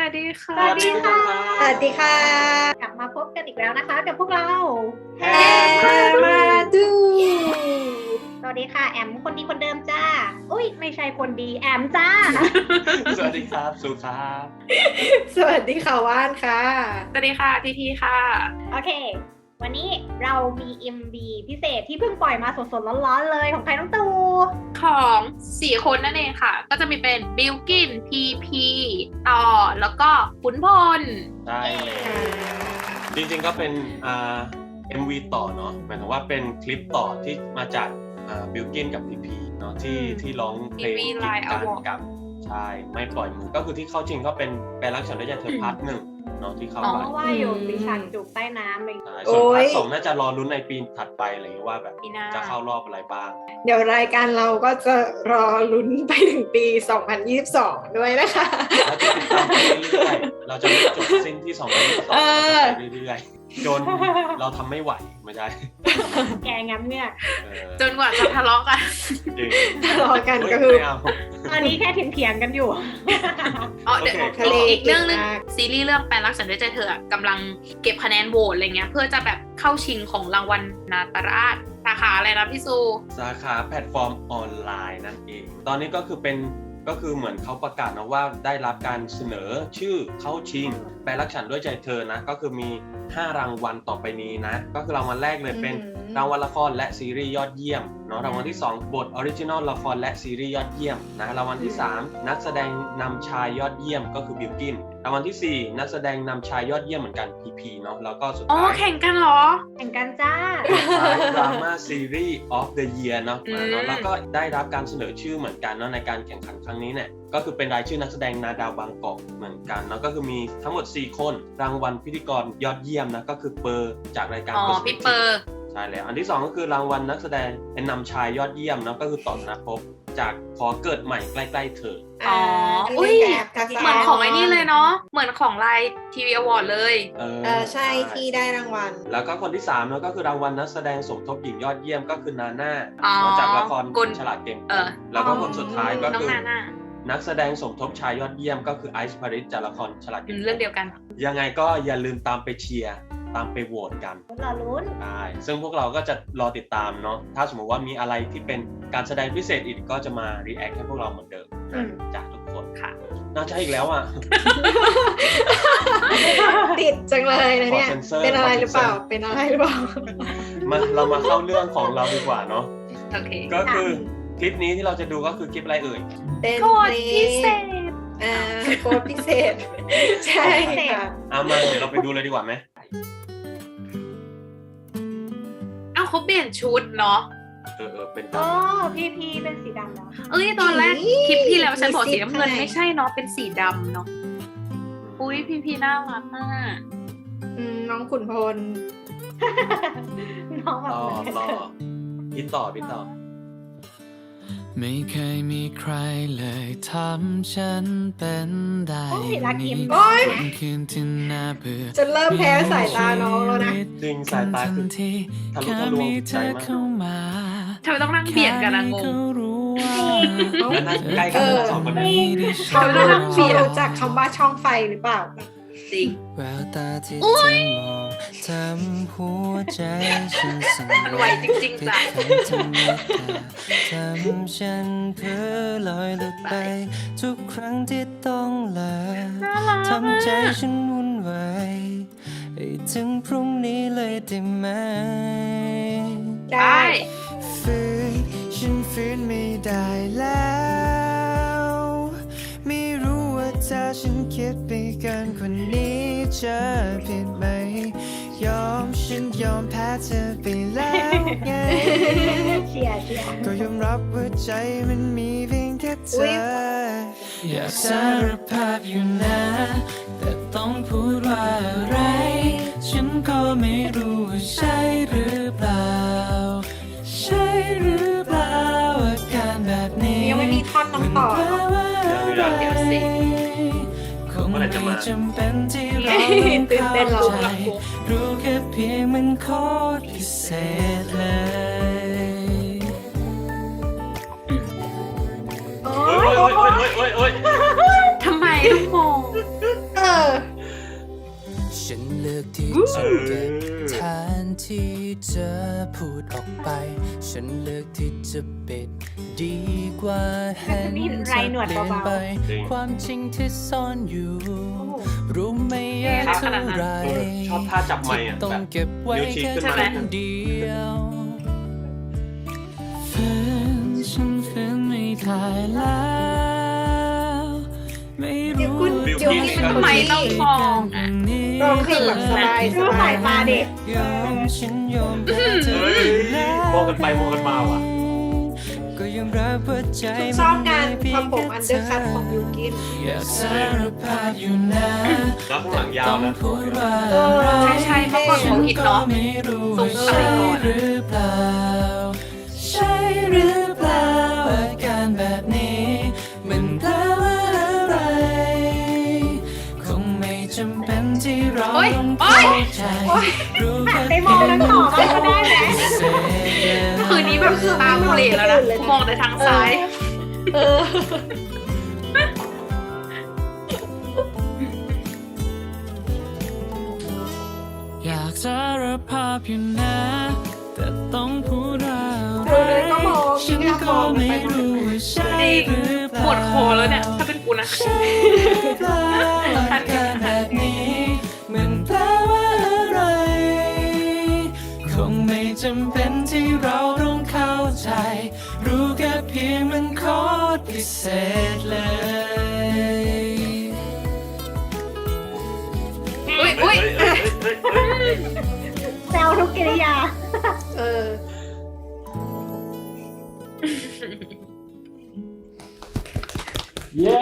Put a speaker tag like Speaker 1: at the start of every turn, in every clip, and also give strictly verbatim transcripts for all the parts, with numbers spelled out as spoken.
Speaker 1: วัสดีค่ะ
Speaker 2: สวัสดีค่ะ
Speaker 3: สวัสดีค่ะ
Speaker 2: กลับมาพบกันอีกแล้วนะคะกับพวกเรา
Speaker 3: แฮมาดู
Speaker 2: สวัสดีค่ะแอมคนดีคนเดิมจ้าอุ้ยไม่ใช่คนดีแอมจ้า
Speaker 1: สวัสดีครับสุครับ
Speaker 3: สวัสดีค่ะว่านค่ะ
Speaker 1: สวัสดีค่ะทีทีค่ะ
Speaker 2: โอเค วันนี้เรามี เอ็ม วี พิเศษที่เพิ่งปล่อยมาสดๆร้อนๆเลยของใครน้องตู
Speaker 1: ของสี่คนนั่นเองค่ะ ก็จะมีเป็นบิลกินพีพีต่อแล้วก็ขุนพล
Speaker 4: ได้เลย จริงๆก็เป็นอ่า เอ็ม วี ต่อเนาะหมายถึงว่าเป็นคลิปต่อที่มาจากอ่าบิลกินกับพีพีเนาะที่ที่ร้องเพลงกีดกันกับใช่ไม่ปล่อยมือก็คือที่เข้าจริงก็เป็นแปลรักฉันด้วยใจเธอพาร์ทหนึ่งเนาะที่เข้า
Speaker 2: เพ
Speaker 4: ไป
Speaker 2: ราะว่าอยู่มีฉากจูบใต้น้ำเอง
Speaker 4: ใช่ส่วนพาร์ทสองน่าจะรอลุ้นในปีถัดไปอะไรอย่างเงี้ยว่าแบบ
Speaker 1: ปีหน้า
Speaker 4: จะเข้ารอบอะไรบ้าง
Speaker 3: เดี๋ยวรายการเราก็จะรอลุ้นไปถึงปี สองพันยี่สิบสอง ด้วยนะคะ
Speaker 4: แล้วจะติดตามไปเรื่อยๆเราจะไม่จบสิ้นที่สองพันยี่สิบสอง
Speaker 3: เออ
Speaker 4: ไปเรื่อยๆจนเราทำไม่ไหวไม่ใช่
Speaker 2: แกงับเงือก
Speaker 4: เออ
Speaker 1: จนกว่าจะทะเลาะกัน
Speaker 4: จริง
Speaker 3: ทะเลาะกันก็คือ
Speaker 4: ไม่เอา
Speaker 2: ตอนนี้แค่เถียงๆกันอยู่
Speaker 1: อ๋อเดี๋ยว
Speaker 4: โอเค
Speaker 3: ทะเล
Speaker 1: อีกเรื่องนึง
Speaker 3: เก่งมาก
Speaker 1: ซีรีส์เรื่องแปลรักฉันด้วยใจเธออะกำลังเก็บคะแนนโหวตอะไรเงี้ยเพื่อจะแบบเข้าชิงของรางวัลนาตราชสาขาอะไรนะพี่ซู
Speaker 4: สาขาแพลตฟอร์มออนไลน์นั่นเอง ตอนนี้ก็คือเป็นก็คือเหมือนเขาประกาศนะว่าได้รับการเสนอชื่อเข้าชิงแปลรักฉันด้วยใจเธอนะก็คือมีห้ารางวัลต่อไปนี้นะก็คือรางวัลแรกเลยเป็น
Speaker 3: อืม
Speaker 4: รางวัลละครและซีรีส์ยอดเยี่ยมเนาะรางวัลที่สองบทออริจินอลละครและซีรีส์ยอดเยี่ยมนะรางวัลที่สามนักแสดงนำชายยอดเยี่ยมก็คือบิลกินรางวัลที่สี่นักแสดงนำชายยอดเยี่ยมเหมือนกันพีพีเนาะแล้วก็สุด
Speaker 1: อ๋อ
Speaker 4: ท้าย
Speaker 1: แข่งกันเหรอ
Speaker 2: แข่งกันจ้า
Speaker 4: ดราม่าซีรีส์ of the year เนาะ
Speaker 1: อืม
Speaker 4: เนาะแล้วก็ได้รับการเสนอชื่อเหมือนกันเนาะในการแข่งขันครั้งนี้เนี่ยก็คือเป็นรายชื่อนักแสดงนาดาวบางกอกเหมือนกันเนาะก็คือมีทั้งหมดสี่คนรางวัลพิธีกรยอดเยี่ยมนะก็คือเปอร์จากรายการ
Speaker 1: อ๋อ
Speaker 4: Perspective
Speaker 1: พี่เปอร์
Speaker 4: ใช่แล้วอันที่สองก็คือรางวัลนักแสดงเป็นนำชายยอดเยี่ยมเนาะก็คือต่อธนภพจากขอเกิดใหม่ใกล้ๆเธอ
Speaker 1: อ๋ออุ้ยเหมือนของไอ้นี่เลยเนาะเหมือนของไลน์ทีวีอวอร์ดเลย
Speaker 4: เออ
Speaker 3: เออใช่ที่ได้รางวัล
Speaker 4: แล้วก็คนที่สามเนาะก็คือรางวัลนักแสดงสมทบหญิงยอดเยี่ยมก็คือนาน่า
Speaker 1: อ๋อ
Speaker 4: มาจากละคร
Speaker 1: กล
Speaker 4: ฉลาดเกม
Speaker 1: เออ
Speaker 4: แล้วก็คนสุดท้ายก็
Speaker 1: น้อง
Speaker 4: คือ
Speaker 1: นาน่า
Speaker 4: นักแสดงสมทบชายยอดเยี่ยมก็คือไอซ์พาริสจากละครฉลาด
Speaker 1: อื
Speaker 4: เก
Speaker 1: ม
Speaker 4: ม
Speaker 1: เรื่องเดียวกัน
Speaker 4: ยังไงก็อย่าลืมตามไปเชียร์ตามไปโหวตกัน
Speaker 2: รอลุ้น
Speaker 4: ได้ซึ่งพวกเราก็จะรอติดตามเนาะถ้าสมมติว่ามีอะไรที่เป็นการแสดงพิเศษอีกก็จะมารีแอคให้พวกเราเหมือนเดิม
Speaker 3: อืม
Speaker 4: จากทุกคน
Speaker 1: ค่ะ
Speaker 4: น่าจะอีกแล้วอ่ะ
Speaker 3: ติดจังเลยนะเนี่ย
Speaker 4: ขอเซ็นเซอร์
Speaker 3: เป็นอะไรหรือเปล่า
Speaker 4: ขอเซ็นเซอร์
Speaker 3: เป็นอะไรหรือเปล่า
Speaker 4: มาเรามาเข้าเรื่องของเราดีกว่าเนาะ
Speaker 1: โอเค
Speaker 4: ก็คือคลิปนี้ที่เราจะดูก็คือคลิปอะไรเอ่ย
Speaker 3: เป็น
Speaker 1: โคตรพิเศษ
Speaker 3: อ่าโค้ดพิเศษ ใช่ค่ะ
Speaker 4: เอามาเดี๋ยวเราไปดูเลยดีกว่าไหม
Speaker 1: อ้าวเขาเปลี่ยนชุดเนาะ
Speaker 4: เออเออเป็น
Speaker 2: โอ้พี่พีเป็นสีดำแล้ว
Speaker 1: เอ้ยตอนแรก
Speaker 3: อี๋
Speaker 1: คลิปที่แล้วฉันบอก
Speaker 3: มี
Speaker 1: สี
Speaker 3: ซิป
Speaker 1: น้ำเงิน
Speaker 3: ข้างใน
Speaker 1: ไม่ใช่เนาะเป็นสีดำเนาะอุ้ยพี่พีน่ารักมาก
Speaker 3: อืมน้องขุนพล
Speaker 2: น้องแบบ
Speaker 4: ต่อ
Speaker 2: เหมือน
Speaker 4: ต่อพี่ต่อพี่ต่อ
Speaker 5: ไม่เคยมีใครเลยทำฉันเป็นได้
Speaker 2: โอ้ยรักยิ้ม
Speaker 3: โอ๊ย
Speaker 5: วันคืนที่น่าเบื่อ
Speaker 3: จะเริ่มแพ้สายตาน้องแล้วนะ
Speaker 4: จริงสายตาคือ
Speaker 5: ทันที
Speaker 4: ทะลุ
Speaker 5: แค่
Speaker 4: ทะลวง
Speaker 5: มี
Speaker 4: ใจ
Speaker 5: เธอ
Speaker 4: มาก
Speaker 5: เข้ามา
Speaker 1: ทำไมต้องนั่งเบียดกันอะง
Speaker 5: แค่
Speaker 1: ง
Speaker 5: ก็รู้ว่า
Speaker 4: แล้วนั่งใกล้กันทั้งสองคนนี้
Speaker 3: เขา
Speaker 1: ไม่ได้นั่งเบียด
Speaker 3: รู้จักคำว่าช่องไฟหรือเปล่า
Speaker 1: จริง
Speaker 5: แววตาที่เธอมองทำหัวใจฉันสั่น
Speaker 1: มันไหวจริงๆจ้ะ
Speaker 5: ติดขัดทำให้ตาทำฉันเพ้อลอยหลุดไป ทุกครั้งที่ต้องลา
Speaker 1: น่ารัก
Speaker 5: ทำใจฉันวุ่นวายให้ถึงพรุ่งนี้เลยได้ไหม
Speaker 1: ได้
Speaker 5: ฝืนฉันฝืนไม่ได้แล้ว ไม่รู้ว่าถ้าฉันคิดไปเกินกว่านี้จะผิดไหม ยอมฉันยอมแพ้เธอไปแล้วไง
Speaker 2: เชียร์เชียร์
Speaker 5: ก็ยอมรับว่าใจมันมีเพียงแค่เธ
Speaker 3: อุ๊
Speaker 5: อย อยากสารภาพอยู่นะ แต่ต้องพูดว่าอะไร ฉันก็ไม่รู้ว่าใช่หรือเปล่า ใช่หรือเปล่าอาการแบบนี้
Speaker 3: ยังไม่มีท่อนน้องต่อ
Speaker 5: มันแปลว่าอะไร
Speaker 1: เดี๋ยวสิ
Speaker 5: คงไม่จำเป็นที่เรา
Speaker 3: ตื่นเต้น
Speaker 5: เข้า
Speaker 3: เรา
Speaker 5: ใจ รู้แค่เพียงมันโคตรพิเศษเลย
Speaker 2: โอ้
Speaker 4: โอ้ย
Speaker 2: ย
Speaker 4: โอ้ยโอ้ยโอ้ยโอ้ย
Speaker 1: ทำไมต้องงง
Speaker 3: เอ
Speaker 5: ฉันเลือกที่จะเก็บแทนที่จะพูดออกไปฉันเลือกที่จะปิดดีกว่าเห็น
Speaker 2: มี
Speaker 5: เธ
Speaker 2: ไร
Speaker 5: อ
Speaker 2: หนวด
Speaker 5: เปลี่ยน
Speaker 2: เบา
Speaker 5: ไป
Speaker 4: จริง
Speaker 5: ความจริงที่ซ่อนอยู่ รู้ไหมยากเท่าไร
Speaker 4: เออชอบท่าจับไมค์อ่ะ
Speaker 5: ต้อง
Speaker 4: แบบ
Speaker 5: เก็บไว้
Speaker 4: นิ้วชี้
Speaker 5: แค่
Speaker 4: ขึ้น
Speaker 5: ค
Speaker 4: มาเลย
Speaker 5: นเดียวฝืนฉันฝืนไม่ได้แล้วไม่
Speaker 3: เดี๋ยว
Speaker 5: รู้
Speaker 3: คุณ
Speaker 4: บิว
Speaker 3: เดี๋ยว
Speaker 4: กิ้น
Speaker 3: นี้
Speaker 4: ครั
Speaker 3: เป็น
Speaker 4: บ
Speaker 3: คน
Speaker 1: ไม่
Speaker 3: ที่
Speaker 1: ต้องมองอ่ะ
Speaker 3: ร้องเพลงแบบสบาย
Speaker 2: ๆดูสายตาเด็ก
Speaker 5: ยอมฉันยอมแพ้เธอ
Speaker 4: เฮ้ย
Speaker 5: แล้ว
Speaker 4: มองกันไปมองกันมาว่ะ
Speaker 5: ก็ยังรับว่าใจ
Speaker 3: ชอบการ
Speaker 5: มันมี
Speaker 3: ทำผมอันเดอร์คัทของบิวกิน
Speaker 5: อยากสารภาพอยู่นะ
Speaker 4: แล้วข้างหลังยาวนะ
Speaker 5: พูดว่า
Speaker 3: เออ
Speaker 1: ใช่ใช่เมื่อก่อนเขาฮิตเนาะ
Speaker 5: ไม่รู้
Speaker 1: ทรง
Speaker 5: ว่า
Speaker 1: สมั
Speaker 5: ใช่
Speaker 1: ยก่อน
Speaker 5: หรือเปล่า ใช่หรือเปล่าอาการแบบนี้มันแปลว่าอะไรคงไม่จำเป็นที่เรา
Speaker 1: โอ๊ย
Speaker 5: ต้อง
Speaker 1: โอ๊
Speaker 5: เข้าย ใจรู้
Speaker 2: หัน
Speaker 5: แค่
Speaker 2: ไปมองทั้งต่อบ้างก็ได้ไหม
Speaker 1: คืนนี้แบบตากูเหลแล้วนะกูมองแต่ทางซ้าย
Speaker 3: เออ
Speaker 5: อยากสารภาพอยู่นะแต่ต้องพูดว่าอะ
Speaker 3: เออเลยก็มอง
Speaker 5: ฉัน
Speaker 3: ไม่กล้าม
Speaker 5: ก็
Speaker 3: อง
Speaker 5: ไม่
Speaker 3: ไป
Speaker 5: รู้ว่าใช่หรือเปล่า
Speaker 1: ปวดคอแล้วเนี่ย ถ้าเป็นกูนะ
Speaker 5: อาการแบบนี้มันแปลว่าอะไรคงไม่จำเป็นที่เราต้องเข้าใจ รู้แค่เพียงมันโคตรพิเศษเลย
Speaker 1: อุ้ยอุ้ย
Speaker 4: เฮ้ยเฮ้ยเฮ้ยเฮ้ย
Speaker 2: แซวทุกกิริยา
Speaker 3: เออ
Speaker 6: เย้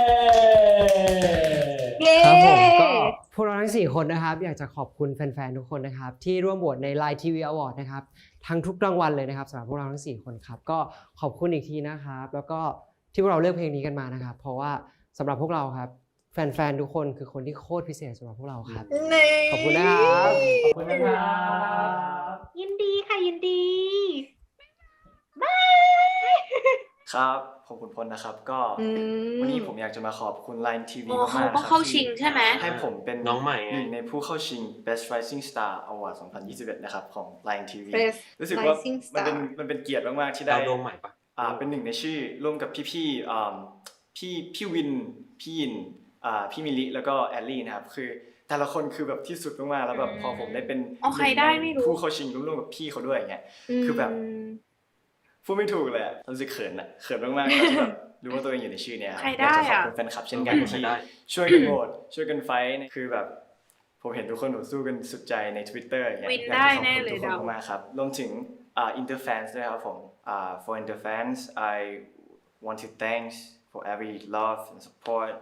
Speaker 2: เย้
Speaker 6: ครับผมก็พวกเราทั้งสี่คนนะครับอยากจะขอบคุณแฟนๆทุกคนนะครับที่ร่วมโหวตใน Line ที วี Award นะครับทั้งทุกรางวัลเลยนะครับสำหรับพวกเราทั้งสี่คนครับก็ขอบคุณอีกทีนะครับแล้วก็ที่พวกเราเลือกเพลงนี้กันมานะครับเพราะว่าสำหรับพวกเราครับแฟนๆทุกคนคือคนที่โคตรพิเศษสำหรับพวกเราครับ
Speaker 3: นี่
Speaker 6: ขอบคุณนะครับ
Speaker 5: ขอบคุณนะครับ
Speaker 2: ยินดีค่ะยินดีบาย
Speaker 7: ครับผมขุนพลนะครับก็
Speaker 3: อืม
Speaker 7: วันนี้ผมอยากจะมาขอบคุณ Line ที วี
Speaker 1: โอ้
Speaker 7: มากๆ
Speaker 1: เขาก็
Speaker 7: นะครับ
Speaker 1: เข้าชิงใช่ไหม
Speaker 7: ที่ให้ผมเป็น
Speaker 4: น้องใหม่ไง
Speaker 7: หนึ่งในผู้เข้าชิง Best Rising Star Award สองพันยี่สิบเอ็ดนะครับของ Line ที วี
Speaker 3: Best
Speaker 7: รู้สึกว่า
Speaker 3: Rising
Speaker 7: มันเป็น
Speaker 3: Star
Speaker 7: มันเป็นเกียรติมากๆที่ได้
Speaker 4: ดาวดวงใหม่ปะ
Speaker 7: อ่าเป็นหนึ่งในชื่อร่วมกับพี่ๆอ่าพี่พี่วินพี่ยินอ่าพี่มิลิแล้วก็แอลลี่นะครับคือแต่ละคนคือแบบที่สุดมากๆแล้วแบบพอผมได้เป็น
Speaker 1: เอาใครได้ไม่รู้
Speaker 7: ผู้เข้าชิงร่วมกับพี่เขาด้วยอย่างเงี้ย คือแบบ พูดไม่ถูกเลยอะรู้สึกเขินอะเขินมากๆที่แบบรู้ว่าตัวเองอยู่ในชื่อเนี้ยครับ
Speaker 1: ใครได้
Speaker 7: อยากจะขอบ
Speaker 1: อะ
Speaker 7: คุณแฟนคลับเช่นกัน
Speaker 4: ใคร
Speaker 7: ที่
Speaker 4: ได้
Speaker 7: ช่วยกันโหวตช่วยกันไฟท์คือแบบผมเห็นทุกคนหนูสู้กันสุดใจใน Twitter อย่างเงี้ย
Speaker 1: วิน
Speaker 7: อยาก
Speaker 1: ได้
Speaker 7: จะขอบ
Speaker 1: แน่
Speaker 7: คุณ
Speaker 1: เลย
Speaker 7: ทุกคน
Speaker 1: เดา
Speaker 7: มากๆครับรวมถึงอ่า Interfans ด้วยครับผมอ่า for Interfans I want to thanks for every love and support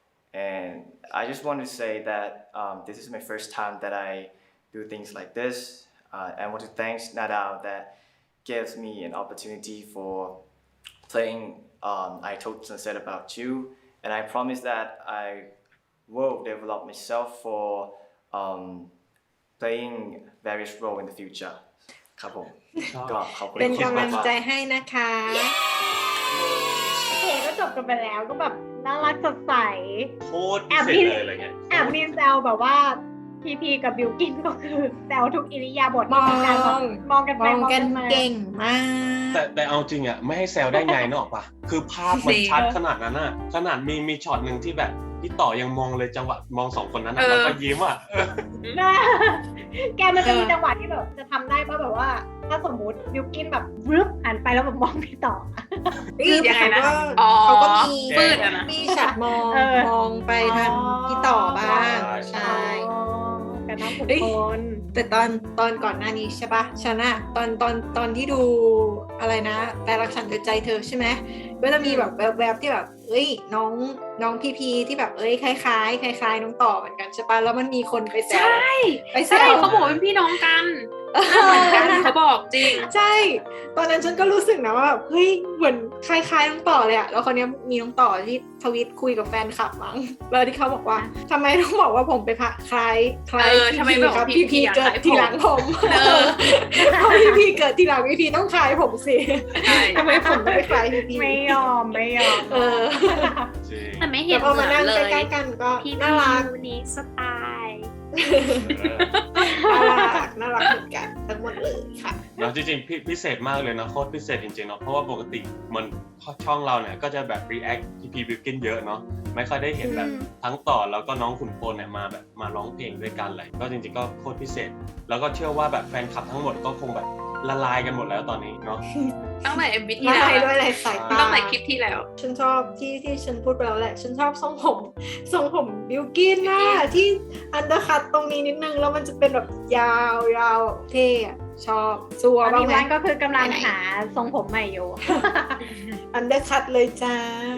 Speaker 7: and I just want to say that um, this is my first time that I do things like this uh, I want to thanks Nadal that gives me an opportunity for playing um, I Told Sunset About You and I promise that I will develop myself for um, playing various roles in the future ครับผมก็ขอบคุณ
Speaker 3: เป็น
Speaker 7: ทุกคน
Speaker 3: กำลัง
Speaker 7: มากๆ
Speaker 3: ใจให้นะคะ
Speaker 2: โอเคก็จบกันไปแล้วก็แบบน่ารักสดใส
Speaker 4: โคตรพิเศษเลยอะไรเงี้ย
Speaker 2: แอบมีแซวแบบว่าพีพีกับบิวกินก็คือแซวทุกอิริยาบถ
Speaker 3: มอง
Speaker 2: ที่การแบบมองกัน
Speaker 3: ม
Speaker 2: ไป
Speaker 3: อง
Speaker 2: มอง
Speaker 3: กั
Speaker 2: กัน นมา
Speaker 3: เก่งมาก
Speaker 4: แต่แต่เอาจริงอ่ะไม่ให้แซวได้ไงนึกออกปะคือภาพมันชัดขนาดนั้นอ่ะขนาดมีมีช็อตหนึ่งที่แบบพี่ต่อยังมองเลยจังหวะมองสองคนนั้นอะ
Speaker 1: เออ
Speaker 4: แล้วก็ยิ้มอ่ะเออ
Speaker 2: นะแกมันจะมีจังหวะที่แบบจะทำได้ป่ะแบบว่า ถ้าสมมุติบิวกินแบบวึบหันไปแล้วแบบมองพี่ต่อ
Speaker 1: คือยังไงนะ
Speaker 3: เขาก็
Speaker 1: อ๋อ
Speaker 3: เขาก็มี
Speaker 1: ปืดอะนะ
Speaker 3: มีฉากมอง
Speaker 2: เออ
Speaker 3: มองไปทางพี่ต่อบ้าง
Speaker 4: ใช่
Speaker 3: ใช่
Speaker 2: กันน้องขุน
Speaker 3: เอ้ย
Speaker 2: พล
Speaker 3: แต่ตอนตอนก่อนหน้านี้ใช่ปะฉันอะตอนตอนตอนที่ดูอะไรนะแต่รักฉันด้วยใจเธอใช่ไหมก็จะมีแบบแวบๆที่แบบเอ้ยน้องน้องพีพีที่แบบเอ้ยคล้ายๆคล้ายๆน้องต่อเหมือนกันใช่ปะแล้วมันมีคนไปแซว
Speaker 1: ใช่
Speaker 3: ไปแซ
Speaker 1: ใช่
Speaker 3: ว
Speaker 1: เขาบอกว่าเป็นพี่น้องกันหน้าเหมือนกันเขาบอกจริง
Speaker 3: ใช่ ตอนนั้นฉันก็รู้สึกนะว่าแบบเฮ้ยเหมือนคล้ายๆน้องต่อเลยอะแล้วคนนี้ยมีน้องต่อที่ทวีตคุยกับแฟนคลับมั้งแล้วที่เขาบอกว่าทำไมต้องบอกว่าผมไปพะคล้ายคล้าย
Speaker 1: เออทำไมบอก
Speaker 3: ครับ
Speaker 1: พี่
Speaker 3: พี่
Speaker 1: พี
Speaker 3: พี
Speaker 1: อะ
Speaker 3: เกิด
Speaker 1: คล้ายผม
Speaker 3: ทีหลังผม
Speaker 1: เออ
Speaker 3: เพราะพี่พีเกิดทีหลังพี่พีต้องคล้ายผมสิ
Speaker 1: ใช่
Speaker 3: ทำไมผมต้องไปคล้ายพี่พี
Speaker 2: ไม่ยอมไม่ยอม
Speaker 3: เออ
Speaker 4: จริงริง
Speaker 1: แต่ไม่เห็
Speaker 3: แต่
Speaker 1: น
Speaker 3: พอ
Speaker 1: เหมื
Speaker 3: มา
Speaker 1: อน
Speaker 3: นั่ง
Speaker 1: เล
Speaker 3: ใก
Speaker 1: ย
Speaker 3: ล้ๆกันก็
Speaker 1: พี่
Speaker 3: น่ารัก
Speaker 1: มิวนี้สไตล์
Speaker 4: เออ
Speaker 3: น่ารักน่ารักเหมือนกันทั้งหมดเลยค่ะ
Speaker 4: เนาะจริงๆพิพิเศษมากเลยนะโคตรพิเศษจริงๆเนาะเพราะว่าปกติมันช่องเราเนี่ยก็จะแบบ react พีพีบิวกินเยอะเนาะไม่ค่อยได้เห็นแบบ
Speaker 1: อืม
Speaker 4: ทั้งต่อแล้วก็น้องขุนพลเนี่ยมาแบบมาร้องเพลงด้วยกันเลยก็จริงๆก็โคตรพิเศษ แล้วก็เชื่อว่าแบบแฟนคลับทั้งหมดก็คงแบบละลายกันหมดแล้วตอนนี้เนาะ
Speaker 1: ตั้งแต่ เอ็ม วี ที่
Speaker 3: มา
Speaker 1: แล้ว
Speaker 3: ให้
Speaker 1: อะ
Speaker 3: ด้วยอะไรสายตา
Speaker 1: ตั้งแต่คลิปที่แล้ว
Speaker 3: ฉันชอบที่ที่ฉันพูดไปแล้วแหละ ฉันชอบทรงผมทรงผมบิวกินนะที่อันเดอร์คัตตรงนี้นิดนึงแล้วมันจะเป็นแบบยาวยาวเท่อะชอบซัว
Speaker 2: ตอน
Speaker 3: บ้าง
Speaker 2: นี้
Speaker 3: ไหม
Speaker 2: วันก็คือกำลัง
Speaker 3: ไหนๆ
Speaker 2: หาทรงผมใหม่อยู่
Speaker 3: อันเดอร์คัตเลยจ้า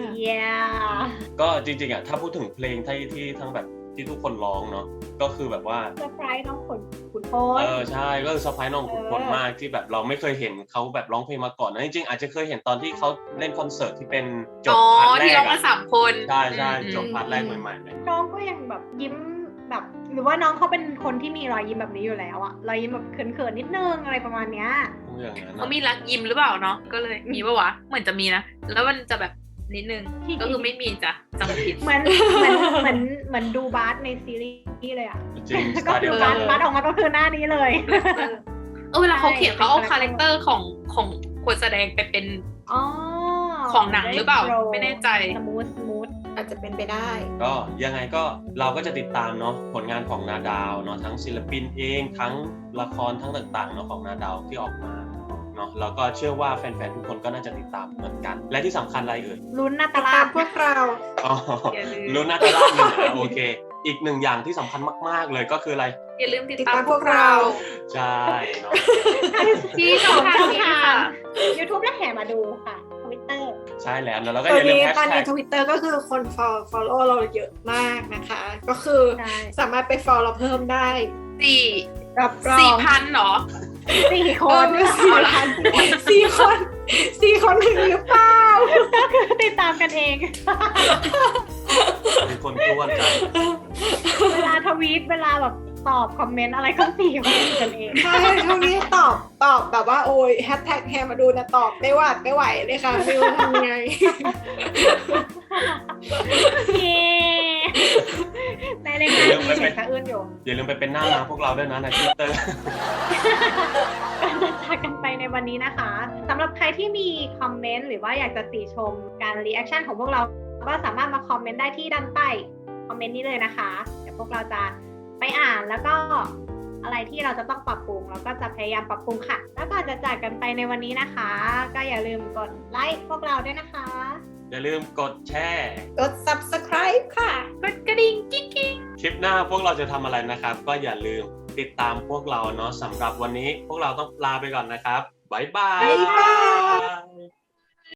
Speaker 2: yeah
Speaker 4: ก็จริงๆอ่ะถ้าพูดถึงเพลงที่ที่ทั้งแบบที่ทุกคนร้องเนาะก็คือแบบว่า
Speaker 2: เซอร์ไพรส์น้องขุนขุนพ
Speaker 4: เอ
Speaker 2: ล
Speaker 4: อใช่ก็คือเซอร์ไพรส์น้องขุนพล
Speaker 2: เออ
Speaker 4: มากที่แบบเราไม่เคยเห็นเขาแบบร้องเพลงมาก่อนนะจริงๆอาจจะเคยเห็นตอนที่เขาเล่นคอนเสิร์ตที่เป็นจบ
Speaker 1: อ๋อ
Speaker 4: พาร์ทแร
Speaker 1: ที่
Speaker 4: ก
Speaker 1: ร้องมา
Speaker 4: อะ
Speaker 1: สามคน
Speaker 4: ใช่ใช่
Speaker 1: อืม
Speaker 4: จบพาร์ทแรกใหม่ๆเลย
Speaker 2: น้องก็ยังแบบยิ้มแบบ หรือว่าน้องเขาเป็นคนที่มีรอยยิ้มแบบนี้อยู่แล้วอะรอยยิ้มแบบเขินๆนิดนึงอะไรประมาณเนี้ย
Speaker 4: ต้องอย่างนั้น
Speaker 1: เขา
Speaker 4: นะ
Speaker 1: มีรักยิ้มหรือเปล่าเนาะก็เลยมีปะวะเหมือนจะมีนะแล้วมันจะแบบนิดนึงก็คือไม่มีจ้ะจำผิด
Speaker 2: เหมือนเหมือนเหมือนเหมือนดูบาสในซีรีส์เลยอะ
Speaker 4: จริงส
Speaker 2: ก็
Speaker 4: ไตล์
Speaker 2: คื
Speaker 4: เดี
Speaker 2: อ
Speaker 4: ยวกับ
Speaker 2: าน ส
Speaker 4: เลย
Speaker 2: บาสออกมาก็คือหน้านี้เลย
Speaker 1: เออเวลาเขาเขียนเขาเอา
Speaker 2: ใช่
Speaker 1: คาแรคเตอร์ของของคนแสดงไปเป็น
Speaker 2: อ๋อ
Speaker 1: ของหนังหรือเปล่าไม่แน่ใจ
Speaker 2: สมูทสมูท
Speaker 3: อาจจะเป็นไปได้
Speaker 4: ก็ยังไงก็เราก็จะติดตามเนาะผลงานของนาดาวเนาะทั้งศิลปินเองทั้งละครทั้งต่างๆเนาะของนาดาวที่ออกมาเนาะแล้วก็เชื่อว่าแฟนๆทุกคนก็น่าจะติดตามเหมือนกัน และที่สำคัญอะไรเอ่ย
Speaker 2: ลุ้นนาตา
Speaker 3: ตา
Speaker 2: ลาด
Speaker 3: มพวกเรา
Speaker 4: อ๋อ
Speaker 1: อย่าลืม
Speaker 4: รู้น่าจะเล่าหนึ่งนะโอเค อีกหนึ่งอย่างที่สำคัญมากๆเลยก็คืออะไร
Speaker 1: อย่าลืมติด
Speaker 3: ติด
Speaker 1: ตาม
Speaker 3: ตามพวกเรา
Speaker 4: ใช่เนาะ
Speaker 1: ที่ช่องทางนี้ค่ะ
Speaker 2: ยูทูบและแห่มาดูค่ะทวิตเตอร์
Speaker 4: ใช่แล้วนะแล้วก็
Speaker 3: ต
Speaker 4: อ
Speaker 3: อน
Speaker 4: ย่าลืม
Speaker 3: นี้
Speaker 4: แฮช
Speaker 3: ตอน
Speaker 4: แท็
Speaker 3: นี้
Speaker 4: ก
Speaker 3: ทวิตเตอร์ก็คือคน follow follow เราเยอะมากนะคะ ก็คือ
Speaker 2: ใช่
Speaker 3: สามารถไป follow เราเพิ่มได้
Speaker 1: สี่
Speaker 3: รับรอง
Speaker 1: สี่พันเหรอ
Speaker 2: สี่ค
Speaker 3: เออน ไม่สี่พันสี่คนสี่คนถึงหรือเปล่า
Speaker 2: ก็คือติดตามกันเอง
Speaker 4: มีคนท้วนใจ
Speaker 2: เวลาทวีตเวลาแบบตอบคอมเมนต์อะไรก็สี่คนกันเอง
Speaker 3: ใช่ช่วงนี้ตอบตอบแบบว่าโอ้ยแฮชแท็กแฮมาดูนะตอบไม่หวาดไม่ไหวเลยค่ะไม่รู้ทำไง
Speaker 2: เย้ในรายการมีเสียงสะอื้นอยู่
Speaker 4: อย่าลืมไปเป็นหน้าม้าพวกเราด้วยนะในทวิตเตอร์
Speaker 2: การจะจากกันไปในวันนี้นะคะสำหรับใครที่มีคอมเมนต์หรือว่าอยากจะติชมการรีแอคชั่นของพวกเราก็สามารถมาคอมเมนต์ได้ที่ด้านใต้คอมเมนต์นี้เลยนะคะเดี๋ยวพวกเราจะไปอ่านแล้วก็อะไรที่เราจะต้องปรับปรุงเราก็จะพยายามปรับปรุงค่ะ แล้วก็จะจากกันไปในวันนี้นะคะ ก็อย่าลืมกดไลค์พวกเราด้วยนะคะ
Speaker 4: อย่าลืมกดแชร์
Speaker 3: กด subscribe ค่ะ
Speaker 1: กดกระดิ่งกิ๊งกิ๊ง
Speaker 4: คลิปหน้าพวกเราจะทำอะไรนะครับ ก็อย่าลืมติดตามพวกเราเนาะสำหรับวันนี้พวกเราต้องลาไปก่อนนะครับบ๊ายบาย
Speaker 3: บ๊ายบาย